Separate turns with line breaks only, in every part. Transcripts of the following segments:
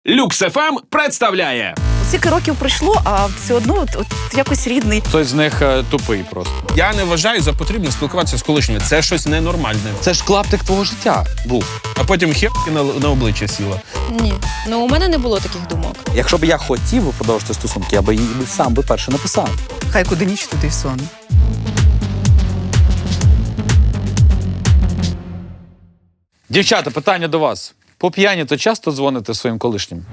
Люкс ФМ представляє.
Скільки років пройшло, а все одно от якось рідний.
Хтось з них тупий просто.
Я не вважаю за потрібне спілкуватися з колишніми. Це щось ненормальне.
Це ж клаптик твого життя був.
А потім херки на обличчя сіла.
Ні. Ну, у мене не було таких думок.
Якщо б я хотів би продовжити стосунки, я би її сам би перше написав.
Хай куди ніч, туди й сон.
Дівчата, питання до вас. По п'яні то часто дзвоните своїм колишнім?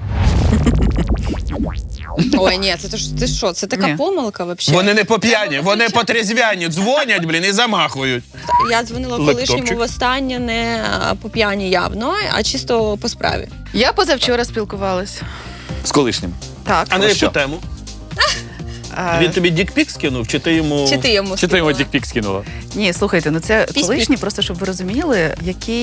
Ой, ні, це що? Це така
Ні.
помилка взагалі.
Вони не по п'яні, вони по трезвяні. Дзвонять, і замахують.
Я дзвонила
Лептопчик.
колишньому востаннє не по п'яні явно, а чисто по справі.
Я позавчора спілкувалась.
З колишнім?
Так.
А на яку
що?
тему?
А,
Він тобі дікпік скинув, чи ти йому...
Чи ти йому
Чи ти його
скинула?
дікпік скинула?
Ні, слухайте, ну це
Пісь-пісь.
колишній, просто щоб ви розуміли, який,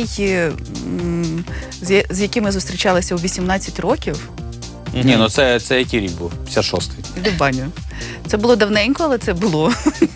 з яким ми зустрічалися у 18 років.
Ні, ну це який рік був? 56-й.
Іди в баню. Це було давненько, але це було.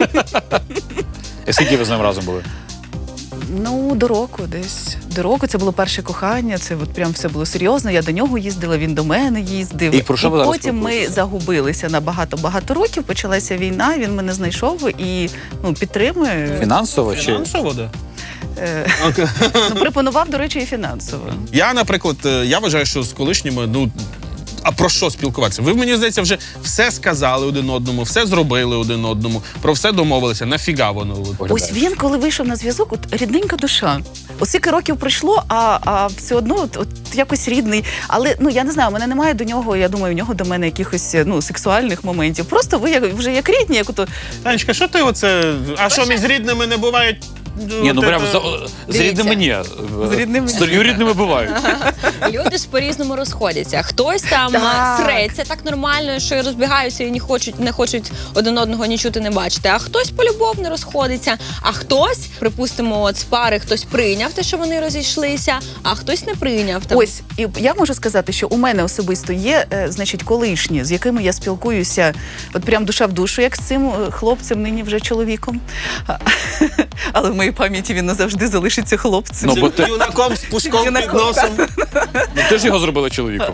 І скільки ви з ним разом були?
Ну, до року десь. До року це було перше кохання, це от прям все було серйозно. Я до нього їздила, він до мене їздив.
І про що ви зараз
потім ми
спілкуєтеся?
загубилися на багато-багато років. Почалася війна, він мене знайшов і підтримує.
Фінансово чи?
Фінансово, да.
Пропонував, до речі, і фінансово.
Я, наприклад, я вважаю, що з колишніми, а про що спілкуватися? Ви, мені здається, вже все сказали один одному, все зробили один одному, про все домовилися. Нафіга воно?
Ось він, коли вийшов на зв'язок, рідненька душа. Ось скільки років пройшло, а все одно от якось рідний. Але я не знаю, у мене немає до нього, я думаю, у нього до мене якихось сексуальних моментів. Просто ви вже як рідні, як ото.
Танечка, що ти оце? А що між рідними не бувають?
Ні, ну прям з
Дивіться.
рідними ні.
З рідними
З рідними бувають.
Люди ж по-різному розходяться. Хтось там
Так.
среться так нормально, що і розбігаються і не хочуть один одного ні чути, не бачити. А хтось полюбовно розходиться, а хтось, припустимо, от з пари хтось прийняв те, що вони розійшлися, а хтось не прийняв. Там.
Ось, і я можу сказати, що у мене особисто є, значить, колишні, з якими я спілкуюся, от прям душа в душу, як з цим хлопцем, нині вже чоловіком. Але в моїй пам'яті він назавжди залишиться хлопцем.
Ну, бо ти,
Юнаком з пушком під
Юнаком,
носом.
ти ж його зробила чоловіком.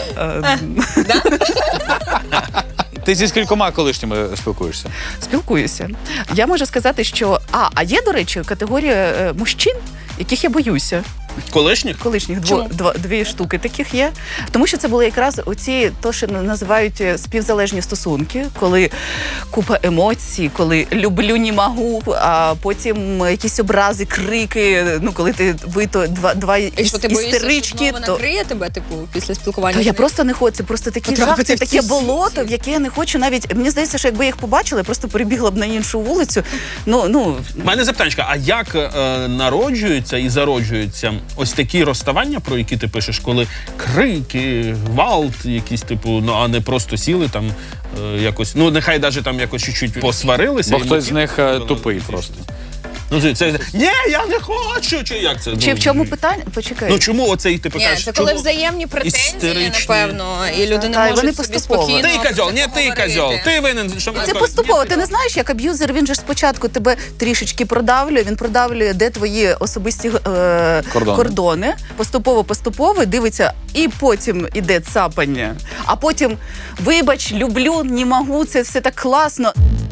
Ти зі скількома колишніми спілкуєшся?
Спілкуюся. Я можу сказати, що а є, до речі, категорія мужчин, яких я боюся.
Колишніх?
Колишніх
Чому?
дві штуки таких є. Тому що це були якраз оці, то, що називають співзалежні стосунки, коли купа емоцій, коли люблю, не можу, а потім якісь образи, крики, коли ви то два
І що ти боїшся, що
істерички,
знову
то...
накриє тебе, типу, після спілкування?
То
з
я
ним?
просто не хочу, це просто такий жах, це таке болото, в яке я не хочу навіть. Мені здається, що якби я їх побачила, я просто перебігла б на іншу вулицю.
У мене запитанечка, а як народжуються і зароджуються ось такі розставання, про які ти пишеш, коли крики, гвалт якісь, типу, а не просто сіли там якось, нехай навіть там якось чуть-чуть посварилися.
Бо
і
хтось з них
мотив-
тупий просто.
Ні, я не хочу, чи як це?
Чи в чому питання? Почекай.
Чому оцей, ти
Ні,
кажеш,
це коли
чому?
взаємні претензії,
істеричні.
напевно, і люди
Та,
не
і вони
можуть собі
поступово.
спокійно
Ти козьол, не ти
поговорити.
козьол, ти винен. Що
Це поступово. Ти не знаєш, як аб'юзер, він же ж спочатку тебе трішечки продавлює, він продавлює, де твої особисті кордони. Поступово дивиться, і потім іде цапання. А потім, вибач, люблю, не можу, це все так класно.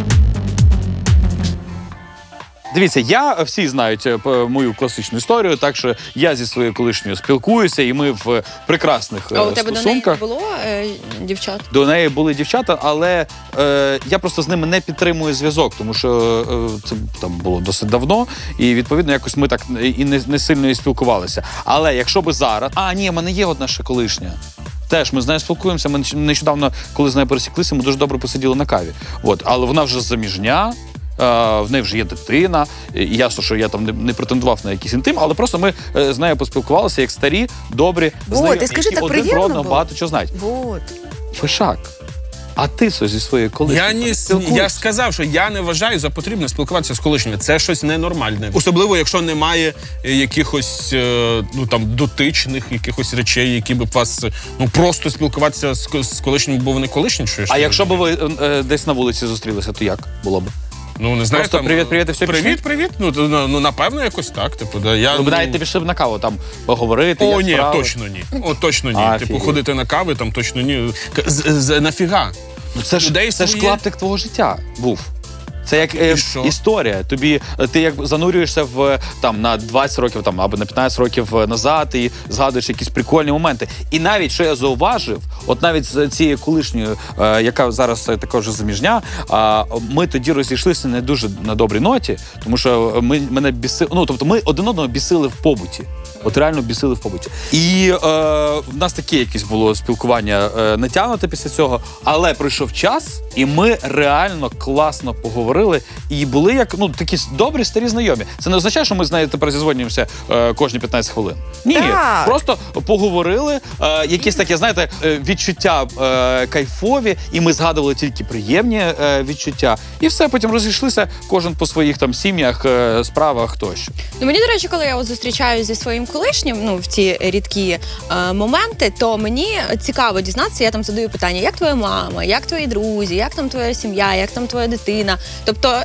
Дивіться, всі знають мою класичну історію, так що я зі своєю колишньою спілкуюся, і ми в прекрасних
А у тебе до неї
стосунках.
було дівчат?
До неї були дівчата, але я просто з ними не підтримую зв'язок, тому що це там було досить давно, і відповідно якось ми так і не сильно і спілкувалися. Але якщо би зараз, в мене є одна ще колишня. Теж ми з нею спілкуємося. Ми нещодавно, коли з нею пересіклися, ми дуже добре посиділи на каві. Але вона вже заміжня. В неї вже є дитина, і ясно, що я там не претендував на якийсь інтим, але просто ми з нею поспілкувалися як старі, добрі,
і скажи,
які
так
один
приємно
про одного
було?
багато чого знають.
Вот.
Фишак, а ти зі своєю колишньою
Я ж сказав, що я не вважаю за потрібне спілкуватися з колишніми. Це щось ненормальне. Особливо, якщо немає якихось дотичних якихось речей, які б вас просто спілкуватися з колишніми, бо вони колишні.
А якщо б ви десь на вулиці зустрілися, то як було б?
Ну, не знаю,
Просто
там,
привіт, і все
Привіт. Ну, напевно, якось так. Типу, да. Я,
Ви навіть не пішли б на каву, там поговорити,
О,
як
ні,
справи.
точно ні. О, точно ні.
А,
Типу,
офігеть.
ходити на кави, там точно ні. Нафіга?
Ну, це
Людей
ж
своє.
клаптик твого життя був. Це як
І що?
історія. Ти як занурюєшся в там на 20 років там або на 15 років назад і згадуєш якісь прикольні моменти. І навіть що я зауважив, от навіть з цією колишньою, яка зараз також заміжня, ми тоді розійшлися не дуже на добрій ноті, тому що мене бісили. Ну тобто, ми один одного бісили в побуті. От реально бісили в побуті. І в нас таке якесь було спілкування натягнуте після цього, але пройшов час, і ми реально класно поговорили. І були як такі добрі старі знайомі. Це не означає, що ми з нею тепер зізвонюємося кожні 15 хвилин. Ні,
Так.
просто поговорили, якісь такі, знаєте, відчуття кайфові, і ми згадували тільки приємні відчуття. І все, потім розійшлися кожен по своїх там сім'ях, справах тощо.
Ну, мені, до речі, коли я от зустрічаюся зі своїм колишнім, в ці рідкі моменти, то мені цікаво дізнатися, я там задаю питання, як твоя мама, як твої друзі, як там твоя сім'я, як там твоя дитина. Тобто,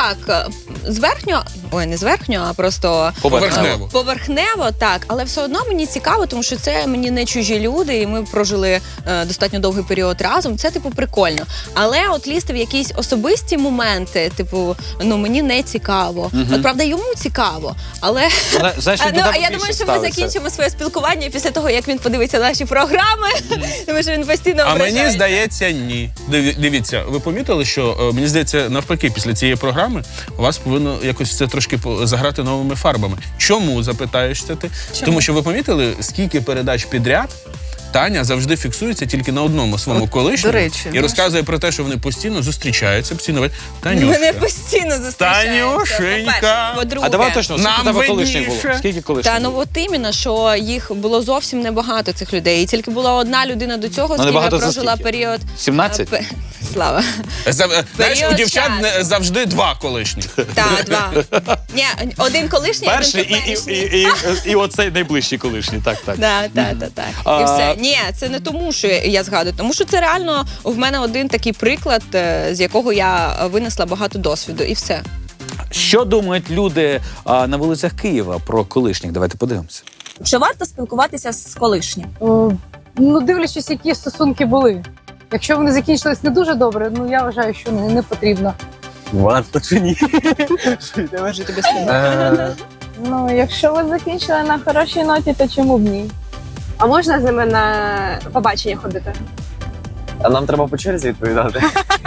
не зверхньо, а просто поверхнево, так. Але все одно мені цікаво, тому що це мені не чужі люди, і ми прожили достатньо довгий період разом. Це, прикольно. Але от лізти в якісь особисті моменти, мені не цікаво. От, правда, йому цікаво, але...
Знаєш,
А я думаю, що ми закінчимо своє спілкування після того, як він подивиться наші програми, тому що він постійно
А
ображається.
мені здається, ні. Дивіться, ви помітили, що, мені здається, навпаки, після цієї програми у вас повинно якось це трошки заграти новими фарбами. Чому, запитаєшся ти?
Чому?
Тому що ви помітили, скільки передач підряд Таня завжди фіксується тільки на одному своєму колишньому
до речі,
і розказує про те, що вони постійно зустрічаються, постійно Танюша.
Мене постійно зустрічаються.
Танюшенька.
По-друге.
А давай точно, скільки
Нам
тебе колишніх було?
видніше.
Скільки колишніх
Та
було?
от іменно, що їх було зовсім небагато, цих людей. І тільки була одна людина до цього, з ким я
небагато за
прожила
скільки?
період.
17?
Слава.
Знаєш, у
Період
дівчат
часу.
завжди два колишніх.
Так, два. Ні, один колишній,
Перший
один теперішній.
і оцей найближчий колишній, так.
Так. І все. Ні, це не тому, що я згадую, тому що це реально в мене один такий приклад, з якого я винесла багато досвіду, і все.
Що думають люди на вулицях Києва про колишніх? Давайте подивимося.
Чи варто спілкуватися з колишнім?
Дивлячись, які стосунки були. Якщо вони закінчились не дуже добре, я вважаю, що не потрібно.
Варто чи ні?
Можу тобі сказати.
Якщо ви закінчили на хорошій ноті, то чому б ні? А можна з ними на побачення ходити?
А нам треба по черзі відповідати.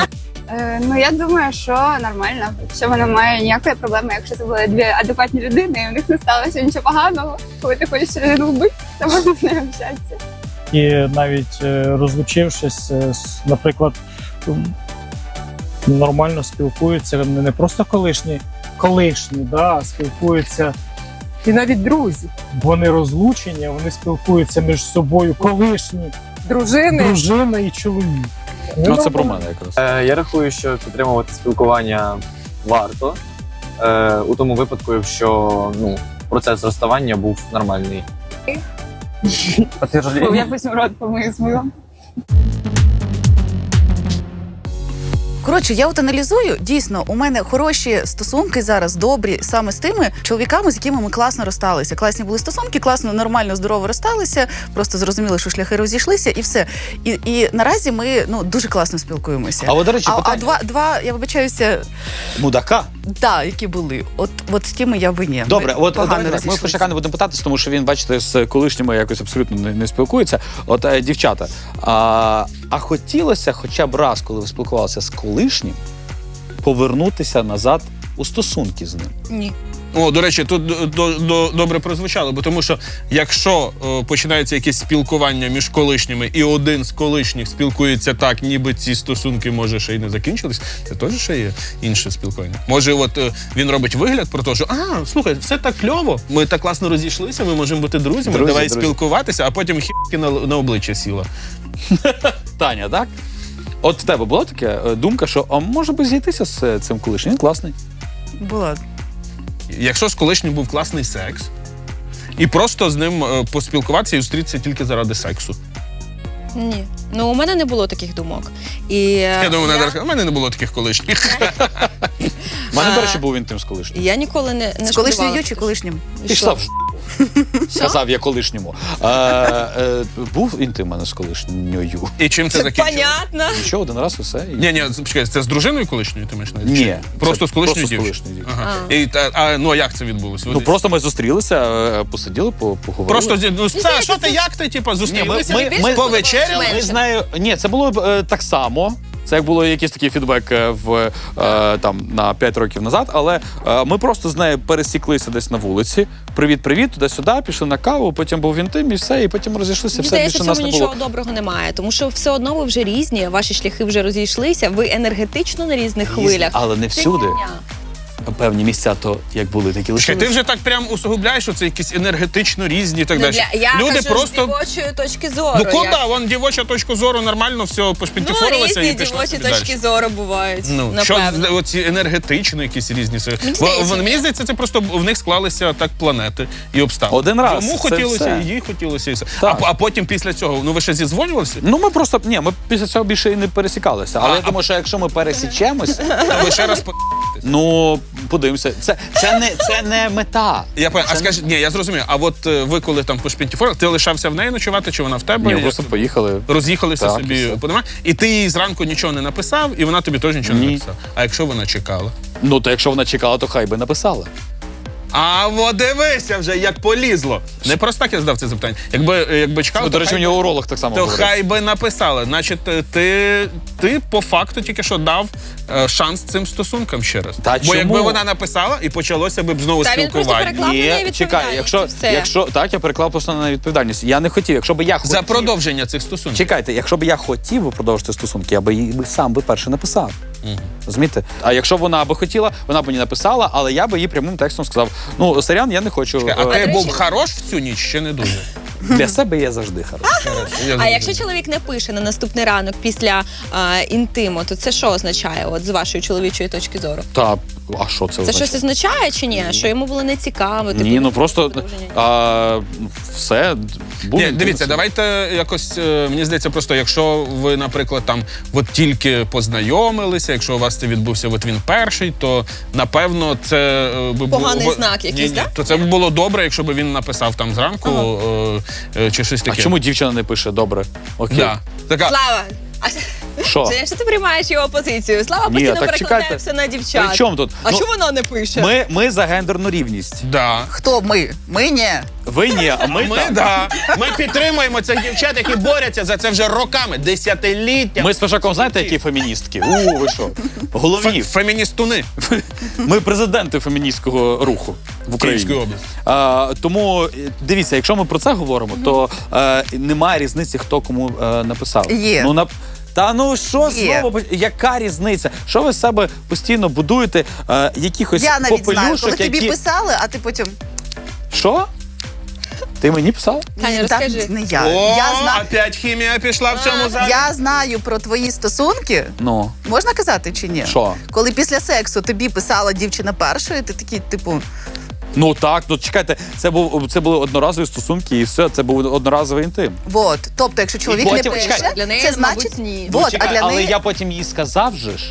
Я думаю, що нормально. Що вона має ніякої проблеми, якщо це були дві адекватні людини, і в них не сталося нічого поганого. Коли ти хочеш людину вбити, то можна з нею общатися.
І навіть розлучившись, наприклад, нормально спілкуються, не просто колишні, а спілкуються.
І навіть друзі,
Вони розлучені, вони спілкуються між собою колишні,
дружини.
дружина і чоловік.
Це про мене якраз.
Я рахую, що підтримувати спілкування варто. У тому випадку, якщо процес розставання був нормальний.
Я потім рот помию з милом.
Коротше, я от аналізую, дійсно, у мене хороші стосунки зараз, добрі, саме з тими чоловіками, з якими ми класно розсталися. Класні були стосунки, класно, нормально, здорово розсталися, просто зрозуміли, що шляхи розійшлися, і все. І наразі ми дуже класно спілкуємося.
А от, до речі,
А
питання.
два, я вибачаюся,
Мудака?
які були. От з тими я би ні.
Добре,
Ми
от
погано
давайте так. Ми
розійшлися.
Фишака не будемо питатись, тому що він, бачите, з колишніми якось абсолютно не спілкується. От, дівчата, а хотілося хоча б раз, коли ви спілкувалися з колишнім, повернутися назад у стосунки з ним?
Ні.
О, до речі, тут добре прозвучало, бо тому що якщо починається якесь спілкування між колишніми, і один з колишніх спілкується так, ніби ці стосунки, може, ще й не закінчились, це теж ще є інше спілкування. Може, він робить вигляд про те, що слухай, все так кльово, ми так класно розійшлися, ми можемо бути друзями, давай спілкуватися, а потім хі**ки на обличчя сіла.
Таня, так? От в тебе була така думка, що може би зійтися з цим колишнім? Він класний.
Була.
Якщо з колишнім був класний секс, і просто з ним поспілкуватися і зустрітися тільки заради сексу.
Ні. У мене не було таких думок.
Я думаю, у мене не було таких колишніх.
У мене, до речі, був інтим з колишнім.
Я ніколи не
З
шкодувала.
колишньою чи колишнім?
Пішла в казав я колишньому. Був інтим у мене з колишньою.
І чим це
Це
закінчилось?
понятно.
Нічого, один раз і все.
Ні, почекай, це з дружиною колишньою ти маєш на увазі?
Ні.
Просто
це
з колишньою
просто з
дівчиною?
колишньою дівчиною.
Ага. Ну, а як це відбулося?
Ну просто ми зустрілися, посиділи, поговорили.
Просто, все, що ти, як ти, типу, зустрілися,
ми
повечеряли?
Ми з нею... Ні, це було так само. Це як було якийсь такий фідбек там на 5 років назад, але ми просто з нею пересіклися десь на вулиці. Привіт-привіт, туди-сюди, пішли на каву, потім був інтим і все, і потім розійшлися,
Мені
все
здається,
більше
в
нас
цьому
не було.
нічого доброго немає, тому що все одно ви вже різні, ваші шляхи вже розійшлися, ви енергетично на різних хвилях.
Але не
Це
всюди.
фігня.
Певні місця то як були, такі
Чекай,
лишилися.
ти вже так прям усугубляєш, що це якісь енергетично різні і так далі.
Я
Люди
кажу
просто...
з дівочої точки зору.
Ну куди? Вон дівоча точка зору нормально все пошпінтифорилася
різні
і пішла
дівочі
собі
точки
далі.
зору бувають,
Ну, що
напевно.
оці енергетично якісь різні.
здається,
Мені здається, це просто в них склалися так планети і обставини.
Один раз,
Йому
це
хотілося,
все.
і їй хотілося, і все.
Так.
А потім після цього, ну ви ще зідзвонювалися?
Ну ми просто, ми після цього більше і не пересікалися. Але я думаю, що якщо ми пересічемось,
То ви ще раз
ну подивимося. Це не мета.
Я пам'ятаю, а скажи, ні, я зрозумів. А от ви коли там по шпінтіфорах, ти лишався в неї ночувати, чи вона в тебе?
Ні,
Як
просто
це?
поїхали.
Роз'їхалися
Так,
собі
і все.
по домах, і ти їй зранку нічого не написав, і вона тобі теж нічого не
Ні.
написала. А якщо вона чекала?
Ну то якщо вона чекала, то хай би написала.
А от дивися вже, як полізло. Не просто так я задав це запитання. Якби чекала,
Ну, до речі, у нього уролог так само
то
говорив.
хай би написала. Значить, ти по факту тільки що дав шанс цим стосункам ще раз.
Та
Бо
чому?
якби вона написала і почалося б знову
Та він просто
спілкування.
переклав на неї
чекай,
відповідальність, і все.
якщо так, я переклав просто на відповідальність. Я не хотів, якщо б я хотів.
За продовження цих стосунків.
Чекайте, якщо б я хотів би продовжити стосунки, я би їй сам би перше написав. Розумієте? А якщо вона би хотіла, вона б мені написала, але я би їй прямим текстом сказав: ну, сорян, я не хочу.
А ти
до
був
речі-
хорош в цю ніч, ще не дуже.
Для себе я завжди хороший.
А якщо чоловік не пише на наступний ранок після інтиму, то це що означає, от з вашої чоловічої точки зору?
Та, а що це
Це
означає?
щось означає чи ні? Що йому було нецікаво? типу,
Ні, ну просто
продовження?
все. Був
Ні,
інтим,
дивіться,
все.
давайте якось, мені здається, просто якщо ви, наприклад, там от тільки познайомилися, якщо у вас це відбувся от він перший, то напевно це би було...
Поганий знак якийсь,
Ні,
так?
то це б було добре, якщо б він написав там зранку чи щось
А
таке.
чому дівчина не пише? Добре. Окей.
Да. Така,
Слава!
Що?
Якщо ти приймаєш його позицію, Слава
Ні,
постійно
так
перекладає
чекайте.
все на дівчат.
При чому тут?
А
Ну,
чому вона не пише?
Ми за гендерну рівність.
да.
Хто ми? Ми ні.
Ви ні, а ми так.
Ми підтримуємо цих дівчат, які борються за це вже роками, десятиліття.
Ми з Пашаком, знаєте, які феміністки? Ви що? Головні.
Феміністуни
Ми президенти феміністського руху в Україні.
Київської області.
Тому дивіться, якщо ми про це говоримо, то немає різниці, хто кому написав.
Є.
Та ну що
Є.
знову? Яка різниця? Що ви з себе постійно будуєте якихось
Я навіть знаю,
попелюшок,
коли тобі
які...
писали, а ти потім.
Що? Ти мені писав?
Таня, розкажи.
Так, не я.
О,
Я знаю.
опять хімія пішла в цьому залі.
Я знаю про твої стосунки.
Ну,
Можна казати чи ні?
що?
Коли після сексу тобі писала дівчина першою, ти такий, типу,
Ну так, ну чекайте, це були одноразові стосунки і все, це був одноразовий інтим.
вот. Тобто, якщо чоловік
потім,
не пише,
чекай,
для неї,
це
мабуть,
значить
ні.
Вот,
Чекай,
а для
але
неї
я потім їй сказав же ж,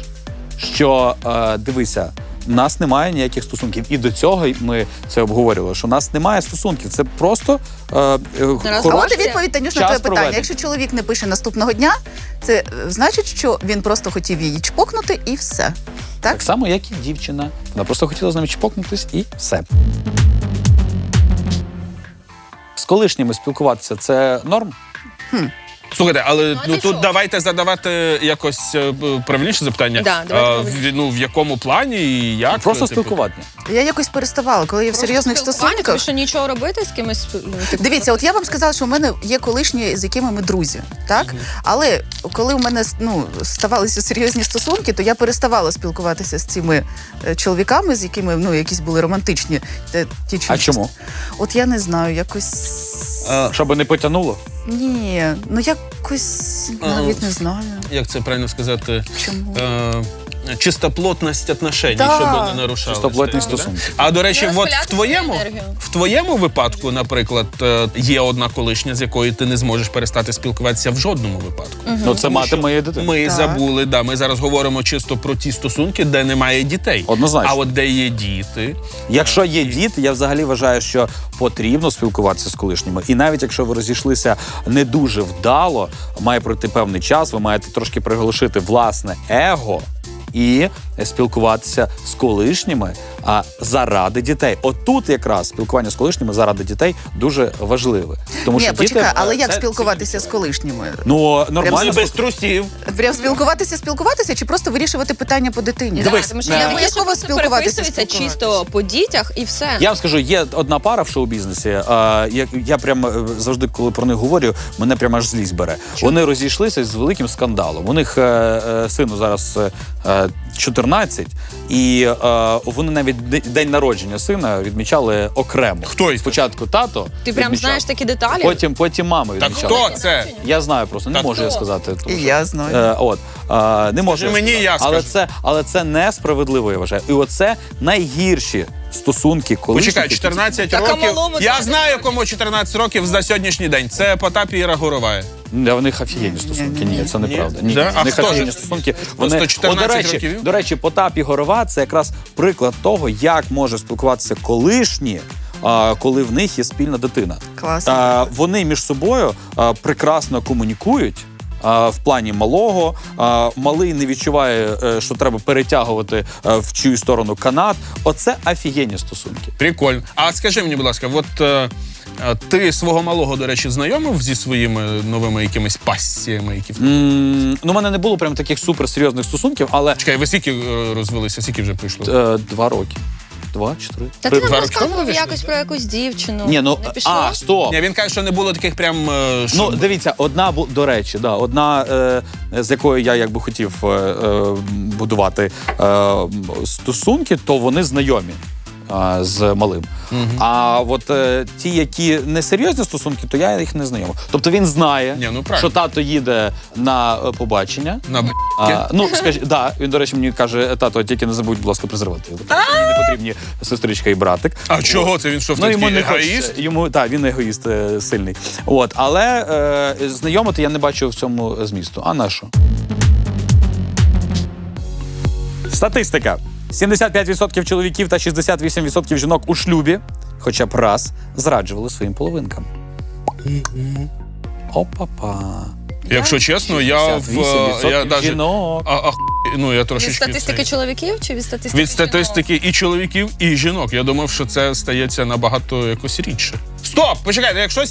що дивися, в нас немає ніяких стосунків. І до цього ми це обговорювали, що в нас немає стосунків. Це просто
А
хороший
от і відповідь, Танюш, на
час
твоє питання.
проведення.
Якщо чоловік не пише наступного дня, це значить, що він просто хотів її чпокнути і все. Так?
Так само, як і дівчина. Вона просто хотіла з нами чпокнутись і все. З колишніми спілкуватися – це норм?
Слухайте, але
а
ну
ти
тут
що?
давайте задавати якось правильніше запитання.
Да, давайте
в якому плані і як?
Просто
типу?
спілкування.
Я якось переставала, коли я в серйозних
Спілкування, тому
стосунках.
що нічого робити з кимось. Типу,
Дивіться, от я вам сказала, що в мене є колишні, з якими ми друзі, так? Але коли у мене ставалися серйозні стосунки, то я переставала спілкуватися з цими чоловіками, з якими якісь були романтичні. Ті чи
А
інші.
чому?
От я не знаю, якось.
Щоб не потягнуло?
Ні, якось навіть не знаю.
Як це правильно сказати?
Чому?
чистоплотність отношень,
Да.
щоб вони нарушали.
Чистоплотні стосунки.
А до речі,
Не
от
розпиляти енергію.
в твоєму випадку, наприклад, є одна колишня, з якою ти не зможеш перестати спілкуватися в жодному випадку.
Ну, це мати моєї дитини.
Ми
Так.
забули, ми зараз говоримо чисто про ті стосунки, де немає дітей.
Однозначно.
А от де є діти,
Якщо є діти, я взагалі вважаю, що потрібно спілкуватися з колишніми. І навіть якщо ви розійшлися не дуже вдало, має пройти певний час, ви маєте трошки приглушити власне его і спілкуватися з колишніми заради дітей. Отут якраз спілкування з колишніми заради дітей дуже важливе. Тому
Ні,
що
почекай,
діти,
але як
це-
спілкуватися з колишніми?
Ну, нормально.
без трусів.
Прям спілкуватися чи просто вирішувати питання по дитині?
Дивись,
Тому що
не
я
обов'язково
просто
спілкуватися,
переписується чисто по дітях і все.
Я вам скажу, є одна пара в шоу-бізнесі. Я прям завжди, коли про них говорю, мене прямо аж злість бере. Вони розійшлися з великим скандалом. У них сину зараз 14, і вони навіть день народження сина відмічали окремо.
Хто із
Спочатку тато.
Ти прям
відмічав,
знаєш такі деталі?
Потім мама
Так
відмічала.
хто це?
Я знаю просто, не
Так
можу я
хто?
сказати. тому
І
що-
я знаю.
Не можу
Скажи мені, я
але
скажу.
але це несправедливо, я вважаю. І оце найгірші стосунки, коли
Почекай, 14
Так, а
років.
малому
Я
так.
знаю, кому 14 років за сьогоднішній день. Це Потап і Іра Горовая.
В них офігенні стосунки. Ні, це неправда. Ні,
Да? А
в них
хто ж?
офігенні стосунки.
Просто 14
до
років?
речі, Потап і Горова – це якраз приклад того, як може спілкуватися колишні, коли в них є спільна дитина.
Класно.
Вони між собою прекрасно комунікують. В плані малого, малий не відчуває, що треба перетягувати в чию сторону канат. Оце офігенні стосунки.
Прикольно. А скажи мені, будь ласка, ти свого малого, до речі, знайомив зі своїми новими якимись пасіями, які в
Ну, у мене не було прям таких суперсерйозних стосунків, але
Чекай, ви скільки розвелися, скільки вже прийшло?
2 роки. 2 чи 3?
Та ти нам
2 роки тому
розказував
вийшли?
якось про якусь дівчину.
Ні, ну,
Не пішло?
стоп.
Ні, він каже, що не було таких прям...
Ну, дивіться, до речі, одна, з якою я якби хотів будувати стосунки, то вони знайомі з малим. А от ті, які не серйозні стосунки, то я їх не знайомив. Тобто він знає,
Ні, ну, правильно.
що тато їде на побачення.
На
Він, до речі, мені каже, тато, тільки не забудь, будь ласка, презервативи. Мені не потрібні сестричка і братик.
А чого це він, що в такий егоїст?
Він егоїст сильний. Але знайомити я не бачу в цьому змісту. А на що? Статистика. 75% чоловіків та 68% жінок у шлюбі хоча б раз зраджували своїм половинкам. Опа-па.
Якщо чесно, я
58%
даже...
жінок.
Я
Від
трошечки...
статистики чоловіків чи від статистики
Від статистики і чоловіків, і жінок. Я думав, що це стається набагато якось рідше. Стоп! Почекайте, якщо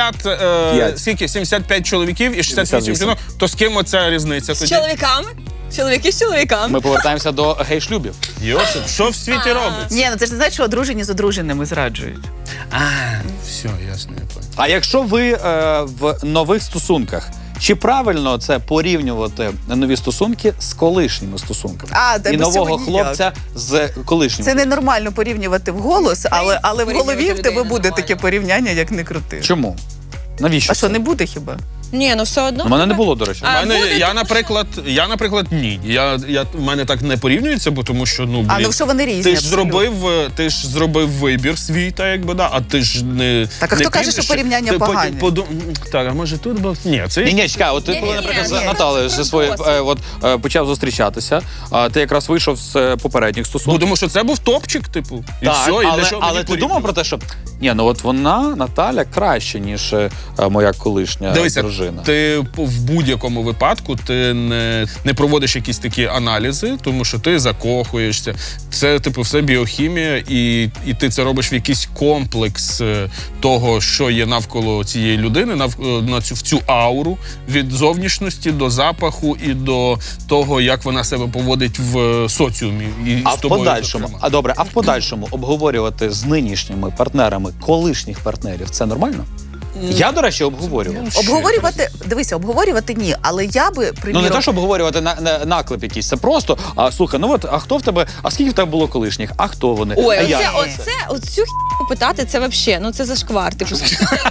75 чоловіків і 68 жінок, то з ким оця різниця
З
тоді?
чоловіками? Чоловіки з чоловіками.
Ми повертаємося до гей-шлюбів.
Йосип, що в світі робиться?
Ні, ну це ж не значить, що одружені з одруженими зраджують.
Все, ясно, я понял.
А якщо ви в нових стосунках, чи правильно це порівнювати нові стосунки з колишніми стосунками?
Та
І
без
нового
цього ніяк.
хлопця з колишнім?
Це ненормально порівнювати вголос, але в голові
Порівнювати
в тебе
людей
буде
нормально.
таке порівняння, як не крути.
Чому? Навіщо?
А що,
це?
не буде хіба?
Ні, ну все одно.
У мене не було, до речі.
Я, наприклад, ні. В мене так не порівнюється, бо тому що,
Що вони різні?
ти ж
абсолютно.
зробив вибір свій, так якби, да, а ти ж не...
Так, а
не
хто каже,
підеш,
що порівняння
ти потім
погані?
Так, а може тут був? Ні, це...
Ні, чекай, от ти, коли, наприклад, з Наталею зі своєю почав зустрічатися, ти якраз вийшов з попередніх
Бо
стосунків.
тому що це був топчик, типу, і
Так,
все, і для чого
але
мені
ти думав про те, що вона, Наталя, краще, ніж моя колишня
Дивися,
дружина.
ти в будь-якому випадку ти не проводиш якісь такі аналізи, тому що ти закохуєшся. Це, все біохімія, і ти це робиш в якийсь комплекс того, що є навколо цієї людини, в цю ауру, від зовнішності до запаху і до того, як вона себе поводить в соціумі. І
А
з
в
тобою,
подальшому,
зокрема.
в подальшому обговорювати з нинішніми партнерами колишніх партнерів, це нормально? Я, до речі, обговорював.
Обговорювати ні, але я би, приміром...
Не те, щоб обговорювати наклеп якийсь, це просто, слухай, скільки в тебе було колишніх? А хто вони?
Ой,
а як?
оцю хі питати, це взагалі, це зашквар. Типу,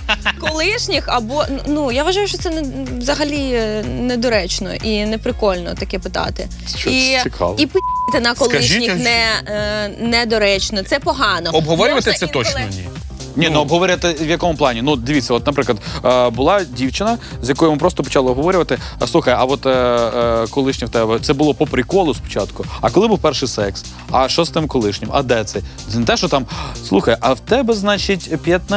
колишніх, або ну я вважаю, що це взагалі недоречно і не прикольно таке питати.
Що це цікаво.
І пи***ти на колишніх недоречно. Це погано.
Обговорювати
Можна
це
інколи-
точно ні.
Ні, ну обговорювати в якому плані? Ну, дивіться, от, наприклад, була дівчина, з якою ми просто почали обговорювати. Слухай, а от колишнє в тебе, це було по приколу спочатку. А коли був перший секс? А що з тим колишнім? А де це? Це не те, що там, слухай, а в тебе, значить,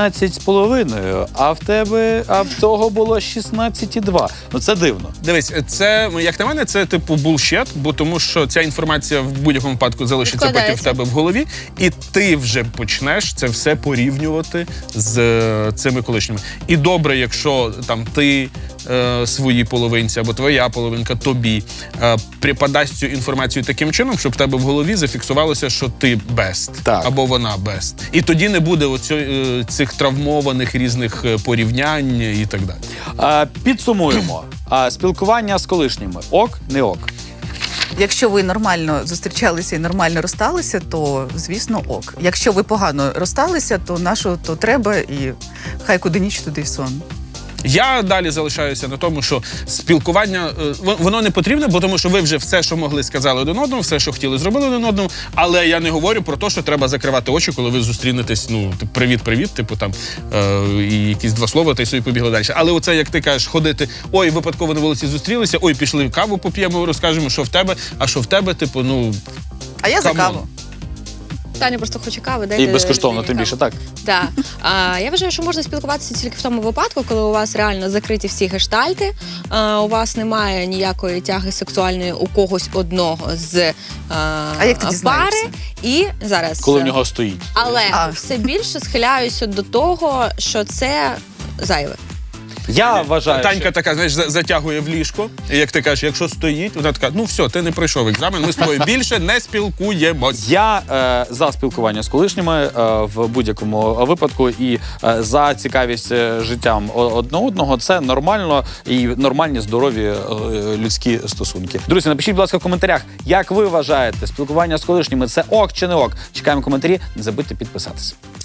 15,5, а в того було 16,2. Ну, це дивно.
Дивись, це, як на мене, це типу булшет, бо тому що ця інформація в будь-якому випадку залишиться потім в тебе в голові, і ти вже почнеш це все порівнювати з цими колишніми. І добре, якщо там ти своїй половинці або твоя половинка тобі припадасть цю інформацію таким чином, щоб в тебе в голові зафіксувалося, що ти best,
Так.
або вона best. І тоді не буде цих травмованих різних порівнянь і так далі.
Підсумуємо. Спілкування з колишніми. Ок, не ок.
Якщо ви нормально зустрічалися і нормально розсталися, то звісно ок. Якщо ви погано розсталися, то нащо то треба, і хай куди ніч, туди й сон.
Я далі залишаюся на тому, що спілкування, воно не потрібне, бо тому що ви вже все, що могли, сказали один одному, все, що хотіли, зробили один одному, але я не говорю про те, що треба закривати очі, коли ви зустрінетесь, ну, привіт-привіт, типу там, і якісь два слова, та й собі побігли далі. Але оце, як ти кажеш, ходити, ой, випадково на вулиці зустрілися, ой, пішли каву поп'ємо, розкажемо, що в тебе, а що в тебе, типу, ну...
А я за
камон.
каву.
Таня просто хоче кави.
І безкоштовно, тим більше, так?
Так. Я вважаю, що можна спілкуватися тільки в тому випадку, коли у вас реально закриті всі гештальти, у вас немає ніякої тяги сексуальної у когось одного з
як ти дізнаєшся?
пари. І зараз...
Коли в нього стоїть.
Але все більше схиляюся до того, що це зайве.
Я вважаю,
Танька
що...
така, знаєш, затягує в ліжко, і як ти кажеш, якщо стоїть, вона така, ну все, ти не пройшов екзамен, ми з тобою більше не спілкуємось.
Я за спілкування з колишніми в будь-якому випадку і за цікавість життям одне одного. Це нормально і нормальні, здорові людські стосунки. Друзі, напишіть, будь ласка, в коментарях, як ви вважаєте, спілкування з колишніми – це ок чи не ок? Чекаємо коментарі, не забудьте підписатися.